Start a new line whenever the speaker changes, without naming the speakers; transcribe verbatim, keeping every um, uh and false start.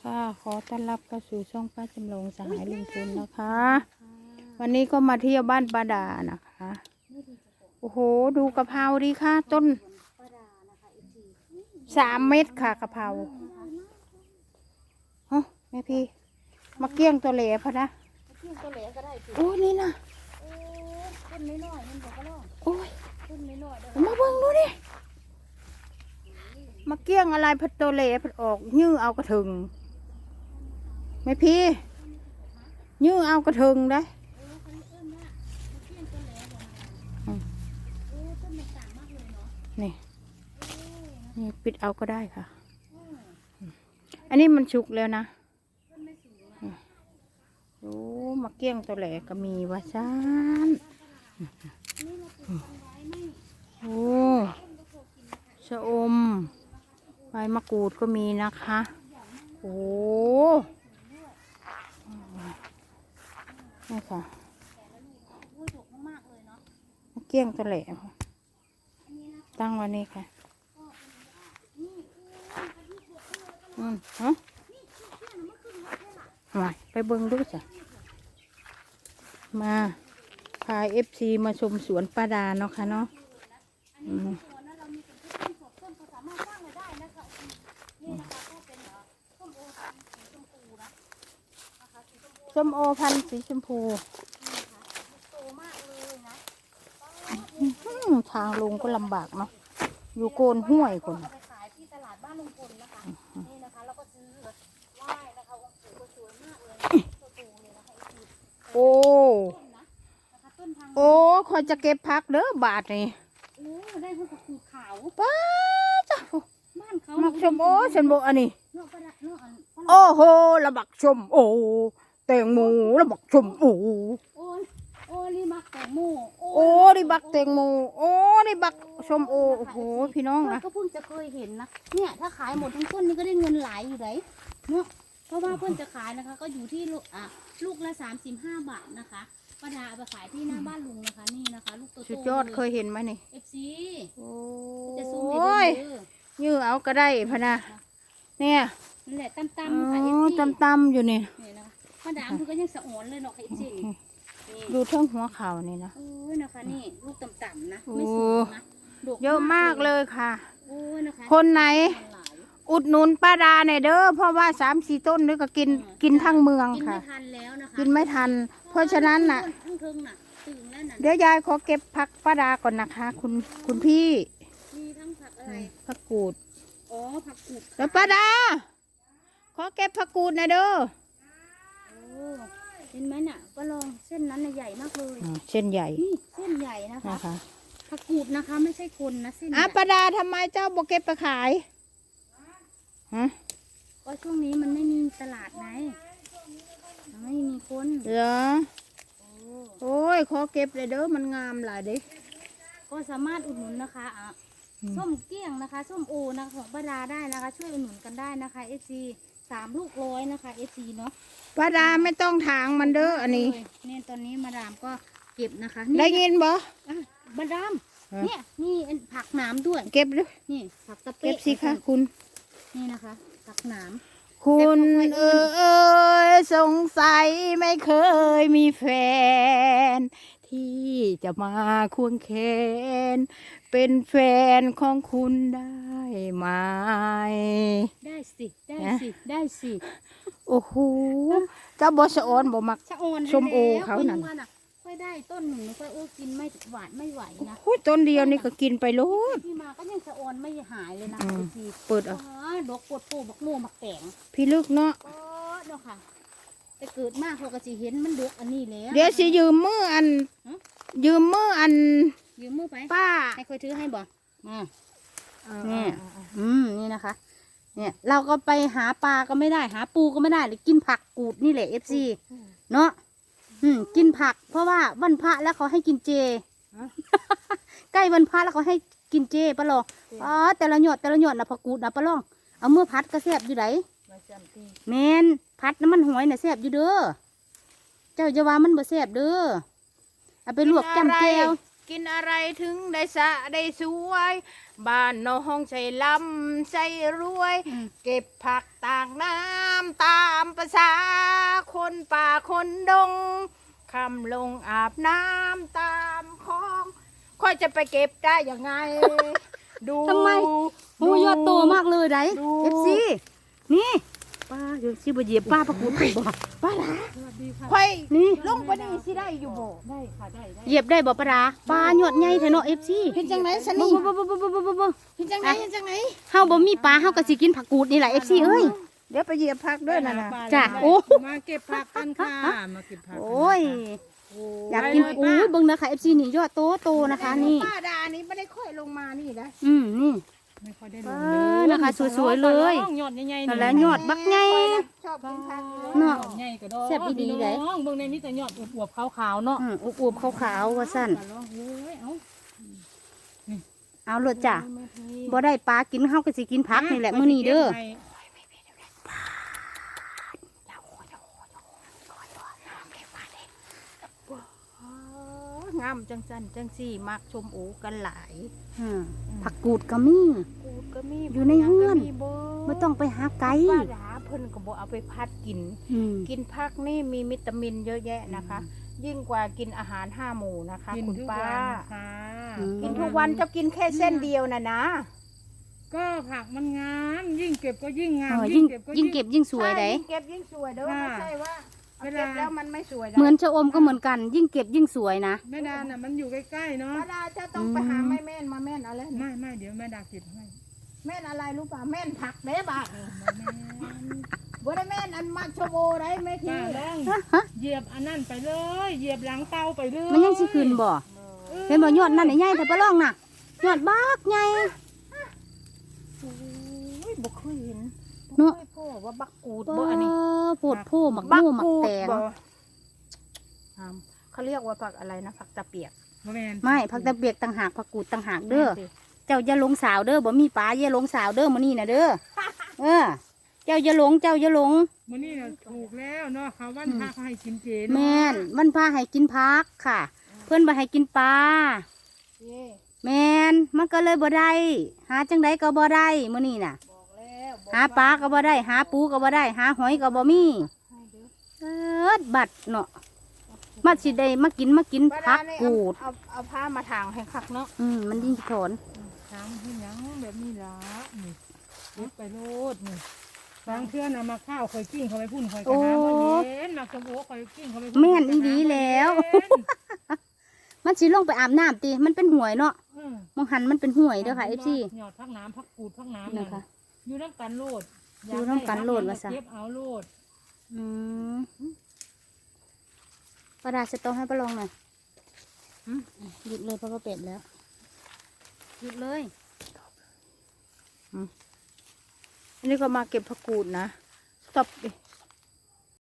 ค่ะขอต้อนรับเข้าสู่ช่องป้าจำลองสหายลุงพลนะคะ วันนี้ก็มาเที่ยวบ้านป้าดานะคะโอ้โหดูกะเพราดีค่ะต้นสามเม็ดค่ะกะเพราฮะแม่พี่มาเกี้ยงตัวเหล่พะนะโอ้นี่นะโอ้ยมาเบิ่งดูดิมาเกี้ยงอะไรพัดตัวเหล่พัดออกยื้อเอากระถึงแม่พี่ยื้อเอากระถึงได้นี่นี่ปิดเอาก็ได้ค่ะอันนี้มันชุกแล้วนะโอ้มาเกี้ยงตัวแหลก็มีวาซานโอ้ชะอมใบมะกรูดก็มีนะคะโอ้นี่ค่ะมาเกี้ยงตัวแหลตั้งวันนี้ค่ะอืมฮะมาไปเบิ้งดูจ้ะมาพาเอฟซีมาชมสวนป้าดาเนาะค่ะเนาะอืมส้มโอพันธุ์สีชมพูทางลงก็ลำบากเนาะอยู่โกนห้วยคนโอ้โอ้คอยจะเก็บพักเด้อบาทนี่
โอ้ได้พวกขูดขาว
ป้าจ้ะ
บ้านเขา
มักชมโอ้ฉันบอกอันนี้โอ้โหระบักชมโอ้แตงโมระบักชมโอ้
โอ้โอ้นี่บักแตงโม
โอ้นี่บักแตงโมโอ้นี่บักชมโอโอ้โหพี่น้องนะ
ก็เพิ่งจะเคยเห็นนะเนี่ยถ้าขายหมดทั้งต้นนี่ก็ได้เงินหลายอยู่ไหนเนาะเพราะว่าเพิ่นจะขายนะคะก็อยู่ที่ลูกอ่ะลูกละสามสิบห้าบาทนะคะป้าดาเอาไปขายที่หน้าบ้านลุงนะคะนี่นะคะลูกโตๆ
สุดยอดเคยเห็นไหมนี่
เอฟซี
โอ้
จะซูมให้ดู
ยื้อเอาก็ได้พะนะเนี่ย
นั่นแหละตั้มตั้มค่ะเอฟซี
ตั้มตั้มอยู่นี่
นี่นะคะป้าดาคือก็ยังสะอ่อนเลยเนาะค่ะเอฟซี
ดูเท่งหัวเข่านี่นะ
โอ้ยนะคะนี่ลูกต่ำๆนะไม่สูงนะ
เยอะมากเลยค่ะ
โอ้ยนะคะ
คนไหนอุดหนุนป้าดาในเด้อเพราะว่าสามสี่ต้นนี่ก็กินกินทั้งเมืองค่ะ
กินไม่ทันแล้วนะคะ
กินไม่ทันเพราะฉะนั้นน่ะเดี๋ยวยายขอเก็บผักป้าดาก่อนนะคะคุณคุณพี่
มีทั้งผักอะไร
ผักกูด
อ๋อผักกูด
แล้วป้าดาขอเก็บผักกูดนะเด้อ
โอ้เห็นไหมน่ะก็ลองเส้นนั้นใหญ่มากเลย
เส้นใหญ่
นี่เส้นใหญ่นะคะผักกูดนะคะไม่ใช่คนนะเส้น
อ่ะป้าดาทำไมเจ้าบอกเก็บไปขายฮะ
ก็ช่วงนี้มันไม่มีตลาดไงไม่มีคน
เหรอโอ้ยขอเก็บเลยเด้อมันงามหลายเด้
ก็สามารถอุดหนุนนะคะอ่ะส้มเกี้ยงนะคะส้มโอนะคะของป้าดาได้นะคะช่วยอุดหนุนกันได้นะคะเอฟซีสามลูกร้อยนะคะเอฟซีเนาะ
ป้าดาไม่ต้องถางมันเด้ออันนี้
เนี่ยตอนนี้มาดามก็เก็บนะคะ
ได้ยินบ่
มาดามเนี่ยนี่ผักหนามด้วย
เก็บด้วย
นี่ผักตะเ
ก็บสิคะคุณ
นี่นะคะผักหนาม
คุณเออเอยสงสัยไม่เคยมีแฟนที่จะมาควงแขนเป็นแฟนของคุณได้ไหม
ได้สิได้สิได้สิ
โอ้โหเจ้าบอสออนบอมักชมโอเขานั่น
ค่อยได้ต้นหนึ่งค่อยโอ้กินไม่หวานไม่ไหวนะ
โอ้ยต้นเดียวนี่ก็กินไปโลด
พี่มาก็ยังสะออนไม่หายเลยนะพี่
เปิดเอา
ดอกปวดปูบักโม่บักแตง
พี่ลึกเนาะ
เออเนาะค่ะแต่เกิดมากเขาก็จะเห็นมันดกอันนี้แล้ว
เดี๋ยวสิยืมมืออันยืมมืออัน
ยืมมือไป
ป้า
ให้เคยถือให้บ่มาเนี่ยอืมนี่นะคะเนี่ยเราก็ไปหาปลาก็ไม่ได้หาปูก็ไม่ได้เลยกินผักกูดนี่แหละเอฟซีเนาะอืมกินผักเพราะว่าวันพระแล้วเขาให้กินเจใกล้วันพระแล้วเขาให้กินเจปะลองอ๋อแต่ละหยดแต่ละหยดนะผักกูดนะปะลองเอาเมื่อพัดก็แซ่บอยู่ไหนแมนพัดน้ำมันหอยน่ะแซ่บอยู่เด้อเจ้าจะว่ามันบ่แซ่บเด้อเอาไปลวกแก้มแก้ว
กินอะไรถึงได้สะได้สวยบ้านน้องใจลำใจรวยเก็บผักต่างน้ำตษาคนป่าคนดงคำลงอาบน้ำตามคลองค่อยจะไปเก็บได้ยังไง ดู
ทำไม โอ้ยอดโตมากเลยได
ดู
เอฟซีนี่ป้าเดี๋ยวสิบ่เหยียบป้าประกูดบ่ป้าดา
ค่อย
นี่
ลงไปนี่สิได้อยู่บ่
ได้ค่ะได้ได้
เหยียบได้บ่ป้าดาปลาหยอดใหญ่แท้เนาะเอฟซี
เห็นจังไหนส
บ่
นี่
บ่บ่บ่บ่บ่บ่บ่
เห็นจังไหนเห็นจังไหน
เฮาบ่มีปลาเฮาก็สิกินผักกูดนี่แหละ เอฟ ซี เอ้ย
เดี๋ยวไปเหยียบพักด้วยนะนะ
จ้ะโอ้
มาเก็บผักกันค่ะมาเก็บผัก
โอ้ยอยากกินอุ้ยเบิ่งนะคะ เอฟ ซี นี่ยอดโตโตนะคะนี่
ป้าดานี่ไม่ได้ค่อยลงมานี่นะ
อืมนี่
ไม่ค่อยได้ล
เอง อนะคะสวยๆเลย
ยอดใหญ่ๆ
นั่นแหละยอดบักใหญ่
ชอบกินผักอยู่
เนาะ
ใหญ่กระดอก
แซ่บอีดีเลย
น้องเบิ่งในมีแต่ยอดอวบๆขาวๆเนาะ
อืมอวบๆขาวๆว่าซั่น
ลองเอ้ยเอา
เอาโลดจ้ะบ่ได้ปลากินเฮาก็สิกินผักนี่แหละมื้อนี้เด้อ
งามจังจันจังสี่มักชมโอกันหลาย
อืมผักกูดก็มี
กูดก็มี
อยู่ในเฮือน
ก็มีเบ่
บ่ต้องไปหาไกล
ป้าดาเพิ่นก็บ่เอาไปพัดกิน
อืม
กินผักนี่มีวิตามินเยอะแยะนะคะ ยิ่งกว่ากินอาหารห้าหมู่นะคะ
กิน
คุณ
ทุก
ป้า
วันค่ะ
กินทุกวันจะกินแค่เส้นเดียวนะนะ
ก็ผักมันงามยิ่งเก็บก็ยิ่งงา
เอ
ม
อยิ่ง
เก็บก็
ยิ่งเก็บยิ่งสวย
ใช่
เด้
ยิ่งเก็บยิ่งสวยเด้อ
ค่ะ
ไม่ใช่ว่าเอา
เวลา
เก็บแล้วมันไม่สวยะ
เหมือนชะอมก็เหมือนกัน ยิ่งเก็บยิ่งสวยนะ
แม่ดาน่ะมันอยู่ใกล้ๆเนาะ
ป้าดาจะต้องไปหาแม่แม่นมาแม่นเอาเลย
ไม่ไม่เดี๋ยวแม่ดาเก็บให้
แม่นอะไรรู้ป่ะแม่นผักเด้บาทนี่
มาแม่
บ่ได้แม่นอันมักชโบได้แม่ที
ป้าลองเหยียบอันนั้นไปเลย เหยียบหลังเตาไปเลย
มันยังสิขึ้นบ่เห็นบ่ยอดนั่นใหญ่ๆแต่ปลาลองน่ะยอดบักใหญ่
โอ้ยบ่เคยเห็น
เนาะ
บ่เคยพ่อว่าบักกูด
บ่
บ่อันนี้
โพดโพหมักโม่หมักแตง
บ่อ่าเขาเรียกว่าผักอะไรนะผักตะเปียก
บ่แม่น
ไม่ผักตะเบียกต่างหากผักกูดต่างหากเด้อ
แม่นสิ
เจ้าอย่าหลงสาวเด้อบ่มีปลาอย่าหลงสาวเด้อมื้อนี้น่ะเด้อเออ เจ้าอย่าหลงเจ้าอย่าหลง
มื้อนี้น่ะถูกแล้วเนาะเขาวันพระเขาให้กินเจ
แม่นมันพาให้กินผักค่ะ เพิ่นบ่ให้กินปลา
เย่
แม่นมันก็เลยบ่ได้หาจังไดก็บ่ได้มื้อนี้น่ะ
บอกแล้วบอก
หาปลาก็บ่ได้ หาปูก็บ่ได้ หาหอยก็บ่มี
ให้เด้อ
เอิดบัดเนาะมาสิได้มากินมากิน
ป้า
ผั
ดาก เนี่ย
กูด
เอาเอาผ้ามาถางให้คักเนาะ
อืมมันยิ่งถอน
ทำให้หยังแบบนี้ล่ะนี่เก็บไปโลดนี่บางเทื่อน่ะมาข้าวคอยกิ้งเขาไปพุ่นคอยกระหาบ่เห็นมาสมโอคอยกิ้งเขาไปพุ่น
แม่นอีหลีแล้ว
เห็น
มันสิลงไปอาบน้ำติมันเป็นห่วยเนาะ
เออ
มองหันมันเป็นห่วยเด้อค่ะ เอฟ ซี
หยอดพักน้ำพักกูดพักน้ำ
นะคะ
อยู่น้ำกันโลด
อยู่นำกันโลดว่าซะ
เก็บเอาโลด
อืมประดาสตอให้ประลองหน่อยอืมหยุดเลยเพราะว่าเป็ดแล้วหยุดเลย
อันนี้ก็มาเก็บผักกูดนะตบดิ